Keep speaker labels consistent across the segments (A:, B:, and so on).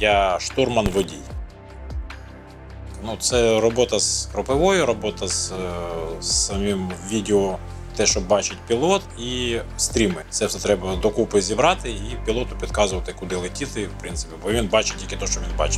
A: я штурман-водій. Ну, це робота з кропивою, робота з самим відео, те, що бачить пілот, і стріми. Це все треба докупи зібрати і пілоту підказувати, куди летіти, в принципі, бо він бачить тільки те, що він бачив.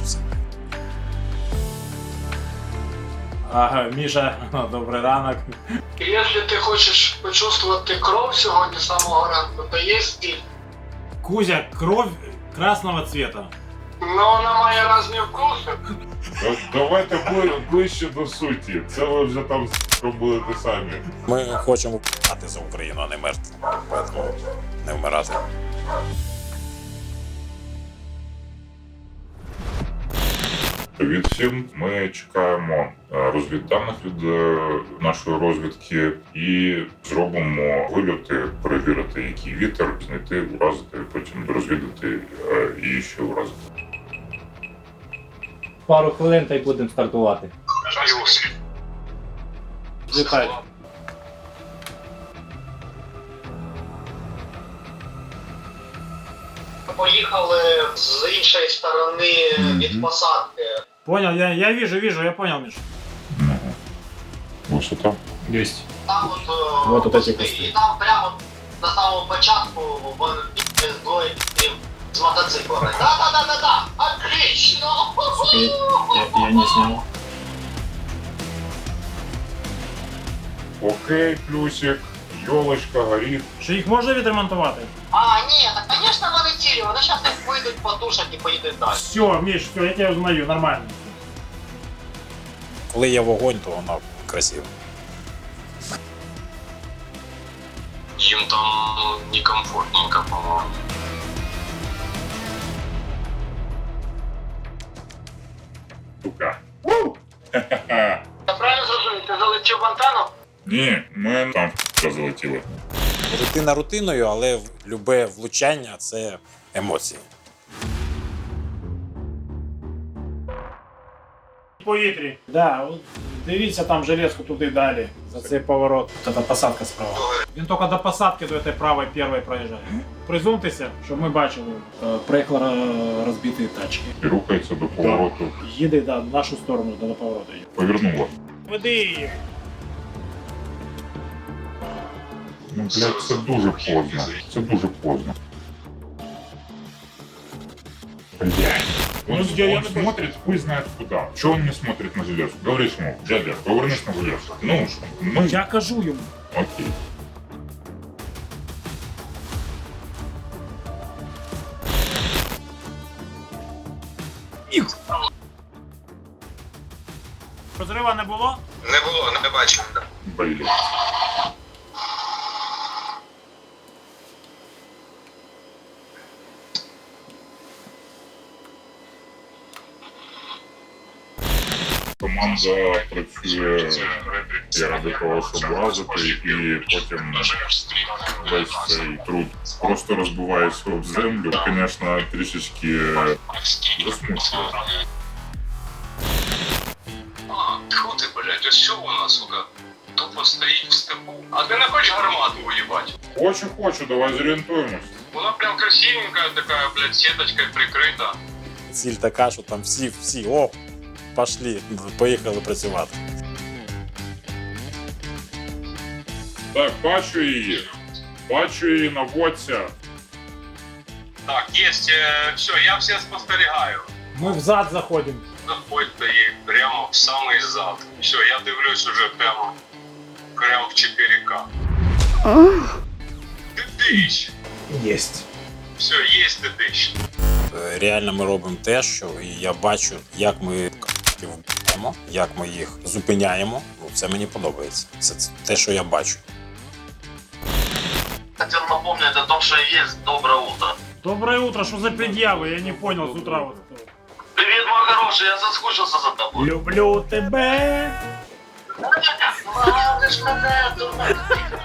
B: Ага, Міша, добрий ранок.
C: Якщо ти хочеш почувствувати кров сьогодні з самого ранку, то є стіль.
B: Кузя, кров красного цвета.
C: Ну, вона має різні вкуси.
D: Давайте ближче до суті. Це ви вже там будете самі.
A: Ми хочемо вмирати за Україну, а не мерти. Тому не вмирати.
D: Від всім ми чекаємо розвідданих від нашої розвідки і зробимо вильоти, перевірити, який вітер, знайти, уразити, потім розвідати і ще уразити.
E: Пару хвилин та й будемо стартувати.
B: Літай.
C: Поїхали з іншої сторони від посадки.
B: Понял, я вижу, я понял, Міш.
D: Висота.
E: Єсть.
C: Там
E: Вот тут эти
C: кусти.
E: кусти.
C: І там прямо на самому початку бігли двоє з мотоциклами. Да-да-да-да-да! Отлично!
E: Я не снял.
D: Окей, плюсик, йолочка, горіх.
B: Чи їх можна відремонтувати?
C: А, ні, так, звісно, вони цілі. Вони зараз їх вийдуть, потушать і поїдуть далі.
B: Все, Міш, все, я тебе узнаю, нормально.
A: Коли є вогонь, то вона красива.
F: Им там некомфортненько, по-моему.
D: Сука.
C: Я правильно зрозумів, ти залетів в антенну?
D: Ні, ми там залетіли.
A: Рутина рутиною, але любе влучання – це емоції.
B: В повітрі. Да, от дивіться там железку туди далі, за цей поворот. Це посадка справа. Він тільки до посадки до цієї правої першої проїжджає. Призумтеся, щоб ми бачили. Приїхали розбиті тачки.
D: І рухається до повороту.
B: Їде, да, в нашу сторону, до повороту.
D: Повернула.
B: Веди їх.
D: Ну, блядь, це дуже поздно. Це дуже поздно. Блядь. Он смотрит, хуй знает куда. Чего он не смотрит на железку? Говоришь ему, дядя, повернись на железку. Ну,
B: Я кажу йому.
D: окей.
B: Розрива не було?
F: Не було, не бачив.
D: Блядь. Команда працює заради того, щоб лазити, і потім весь цей труд просто розбивається об землю. Звісно, трішечки засмучує.
F: А, тьфу ти, блядь, ось що вона, сука, тупо стоїть в степу. А ти не хочеш гармату уїбать?
D: Хочу, давай зорієнтуємось.
F: Вона прям красивенькая такая, блядь, сеточкой прикрита.
A: Ціль така, що там всі, о, пішли, поїхали працювати.
D: Так, бачу її, наводься.
F: Так, есть, все, я все спостерігаю.
B: Ми взад заходимо.
F: Заходьте їй прямо в самий зад. Все, я дивлюсь уже прямо в 4К. Ти диш.
B: Єсть.
F: Все, є ти диш.
A: Реально ми робимо те, що і я бачу, як ми вб'ємо, як ми їх зупиняємо. Ну, це мені подобається. Це те, що я бачу.
C: Хотел напомнить о том, что есть доброе утро.
B: Доброе утро, що за пред'яви? Я не понял з утра. Вот.
C: Привет, мой хороший, я соскучился за тобой.
B: Люблю тебе.
C: Ладно, мене, дурак.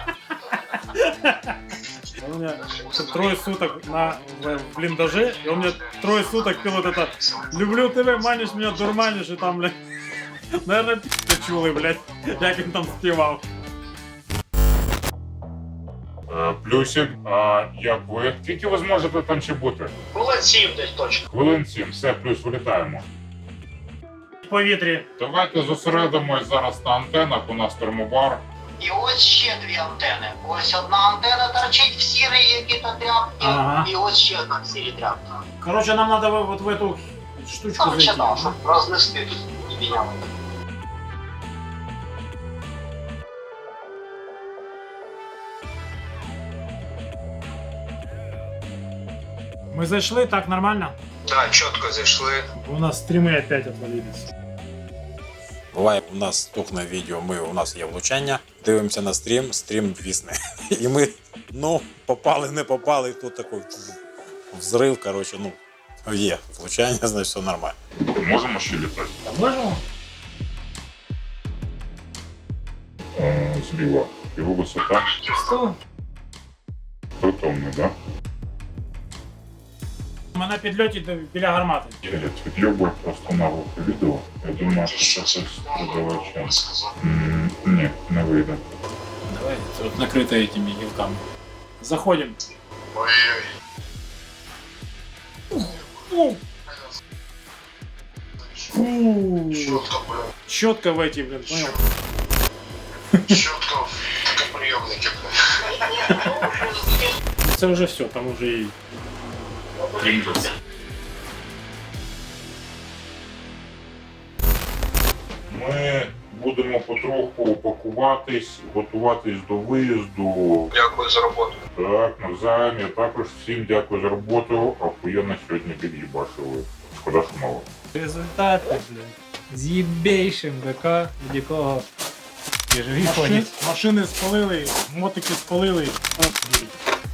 B: У меня трое суток в блиндаже, и он мне трое суток пил вот это «Люблю тебя, манишь меня, дурманишь», и там, блядь, наверное, пи***й чулый, блядь, як він там співав.
D: Плюсик, а як ви? Скільки ви зможете там ще бути?
C: Хвилин 7 десь точно.
D: Хвилин 7, все, плюс вилітаємо.
B: В повітрі.
D: Давайте зосередимось зараз на антенах, у нас термобар.
C: І ось ще дві антени. Ось одна антена торчить в сірій якій-то тряпці,
B: Ага.
C: і ось ще одна в сірій тряпці.
B: Короче, нам надо вот в эту штучку
C: Короче,
B: зайти.
C: да, щоб рознести тут і міняли.
B: Мы зайшли, так нормально?
F: Так, чітко зайшли.
B: У нас стримы опять отвалились.
A: Буває, у нас тухне відео, у нас є влучання, дивимося на стрім вісне. І ми, попали, не попали, і тут такий взрив, коротше, є влучання, значить все нормально.
D: Можемо ще літати?
B: Можемо?
D: Зліва. Його висота.
B: 100.
D: Притомний, так?
B: Ми на підльоті біля гармати.
D: Я відйобую просто наглухо відео. Я думаю, що це продавача. Ні, не вийде.
B: Давай, тут накрыто этими гілками. Заходим.
C: Ой-ой.
B: Фу. Фу.
C: Чітко, блядь.
B: Щетка в эти, блин, понял?
C: Чітко в такоприйомники, блядь.
B: Це вже все, там уже і тріндець.
D: Ми будемо потроху пакуватись, готуватись до виїзду.
F: Дякую за роботу.
D: Так, навзаєм. Я також всім дякую за роботу. Охуєнно сьогодні під'їбашили. Шкода, що мало.
E: Результати, блядь. З їбейшим ВК, від якого і живі ходять.
B: Машини спалили, мотики спалили.